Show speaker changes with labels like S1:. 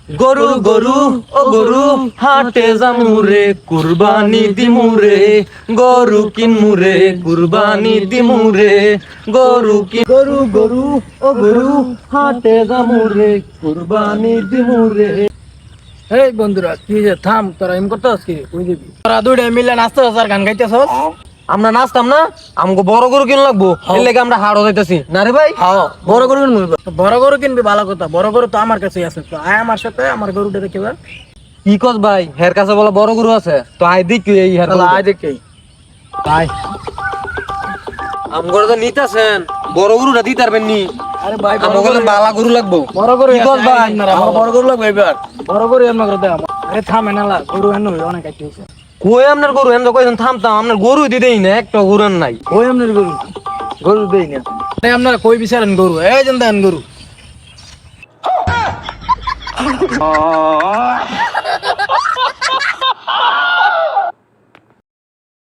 S1: গরু গরু ও গরু হাটে জামুরে কুরবানি দিমুরে গরু কিনমুরে কুরবানি দিমুরে গরু গরু ও গরু হাটে জামুরে কুরবানি দিমুরে।
S2: এই বন্ধুরা কি যে থাম, তোরা এম করতে কি কই দিবি? তোরা দুইটা মিলে নাচতে আর গান গাইতেছস।
S1: আমরা নাচতাম না, আমাকে বড় গরু কিন লাগবো, এর লেগে আমরা হাড় যাইতেছি না রে ভাই।
S2: হ্যাঁ, বড় গরু কিনবি। বড় গরু কিনবি, ভালো কথা। বড় গরু তো আমার কাছেই আছে, তো আয় আমার সাথে, আমার গরুটা দেখে এবার।
S1: কি কস ভাই, হের কাছে বলে বড় গরু আছে, তো আই দেখি এই হের
S2: তাহলে আয় দেখে
S1: আয়। আমগরে তো নিতাছেন, বড় গরুটা দিতে পারবেন নি?
S2: আরে ভাই
S1: আমাকে বালা গরু লাগবো।
S2: বড় গরু
S1: কি কস ভাই?
S2: আমার বড় গরু লাগবে এবার। বড় গরু এমন করে দাও। আরে থাম এনালা, গরু এনে অনেক আইতে হইছে।
S1: কই আপনার গরু এমন কইছেন থামতাম, আপনার গরু দিতেই না, একটা গরু আর নাই।
S2: ওই আমনের গরু, গরু দেই না। আরে আপনারা কই বিচারেন গরু? এই যেন দেন গরু।